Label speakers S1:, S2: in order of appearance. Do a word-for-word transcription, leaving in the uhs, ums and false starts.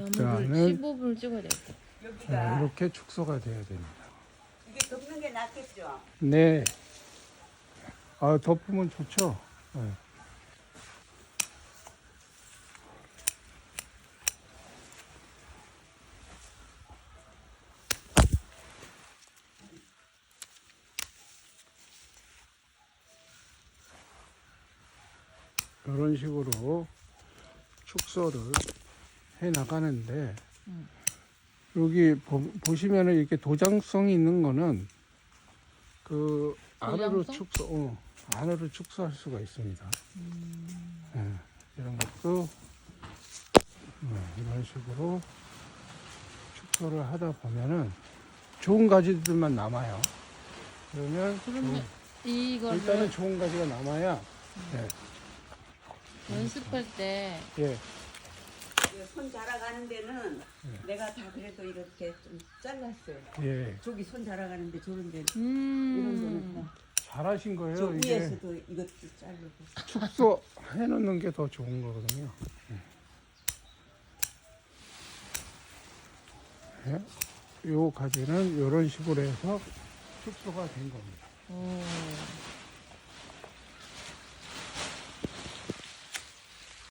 S1: 나무를
S2: 일단은
S1: 십오 분을 찍어야 되겠다.
S2: 자,
S3: 여기가
S2: 이렇게 축소가 돼야 됩니다.
S3: 이게 덮는 게 낫겠죠?
S2: 네. 아, 덮으면 좋죠. 네. 이런 식으로 축소를 해 나가는데
S1: 음.
S2: 여기 보, 보시면은 이렇게 도장성이 있는 거는 그 안으로
S1: 도장성?
S2: 축소, 어, 안으로 축소할 수가 있습니다.
S1: 음.
S2: 예, 이런 것도 네, 이런 식으로 축소를 하다 보면은 좋은 가지들만 남아요. 그러면
S1: 그러면
S2: 좋은-
S1: 이거를
S2: 일단은 좋은 가지가 남아야 예,
S1: 연습할 때
S2: 예,
S3: 이손 자라가는 데는
S2: 네.
S3: 내가 다 그래도 이렇게 좀 잘랐어요.
S2: 예,
S3: 저기 손 자라가는데 저런 데 이런 데는
S1: 음.
S3: 다.
S2: 잘하신 거예요.
S3: 저
S2: 이게
S3: 위에서도 이것도 자르고.
S2: 축소 해놓는 게 더 좋은 거거든요. 예, 요 가지는 이런 식으로 해서 축소가 된 겁니다.
S1: 오.